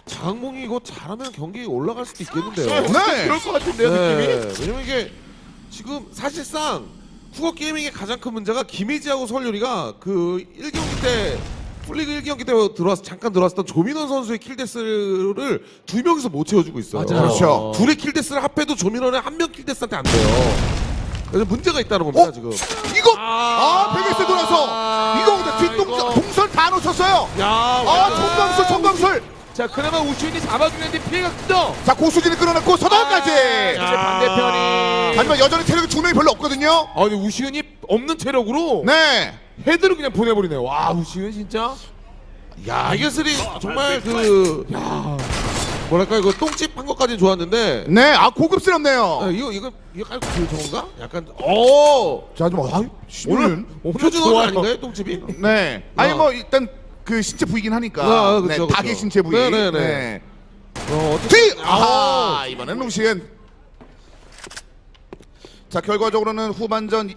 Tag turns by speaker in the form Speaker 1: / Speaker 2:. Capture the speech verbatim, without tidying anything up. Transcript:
Speaker 1: 장항몽이 이거 잘하면 경기 올라갈 수도 있겠는데요.
Speaker 2: 네.
Speaker 3: 그럴 것 같은데요, 느낌이.
Speaker 1: 왜냐면 이게 지금 사실상 후거 게이밍의 가장 큰 문제가 김혜지하고 설유리가 그 일 경기 때 풀리그 일 경기 때 들어와서 잠깐 들어왔던 조민원 선수의 킬데스를 두 명이서 못 채워주고 있어요.
Speaker 3: 맞아요.
Speaker 2: 그렇죠.
Speaker 1: 둘의 킬데스를 합해도 조민원의 한 명 킬데스한테 안 돼요. 그래서 문제가 있다는 겁니다
Speaker 2: 어?
Speaker 1: 지금.
Speaker 2: 이거 아, 베게스 돌아서 이거 근데 뒷동선
Speaker 1: 이거.
Speaker 2: 동선 다 놓쳤어요.
Speaker 1: 야,
Speaker 2: 아,
Speaker 1: 완전-
Speaker 2: 청강술 청강술.
Speaker 3: 자, 그나마 우주인이 잡아주는데 피해가 크죠.
Speaker 2: 자, 고수진이 끌어냈고 서다까지.
Speaker 3: 이제 반대편이.
Speaker 2: 하지만 여전히 체력이 두 명이 별로 없거든요.
Speaker 3: 아, 근데 우시은이 없는 체력으로
Speaker 2: 네.
Speaker 3: 헤드를 그냥 보내버리네. 와, 우시은 진짜.
Speaker 1: 야, 베게슬이 정말 그
Speaker 3: 야,
Speaker 1: 뭐랄까 이거 똥집 한 것까지는 좋았는데
Speaker 2: 네, 아 고급스럽네요.
Speaker 1: 아, 이거 이거 이거 깔고 그 저건가? 약간 오
Speaker 2: 자, 좀 아,
Speaker 1: 오늘
Speaker 3: 오늘
Speaker 1: 표준어가
Speaker 3: 좋아요.
Speaker 1: 아닌가요 똥집이?
Speaker 2: 네. 아니
Speaker 1: 어.
Speaker 2: 뭐 일단 그 신체 부위긴 하니까.
Speaker 1: 아,
Speaker 2: 네,
Speaker 1: 그쵸, 그쵸.
Speaker 2: 닭의 신체 부위.
Speaker 1: 네네네.
Speaker 2: 네.
Speaker 1: 어, 어떻게?
Speaker 2: 뒤! 아, 이번엔 루시엔. 자, 결과적으로는 후반전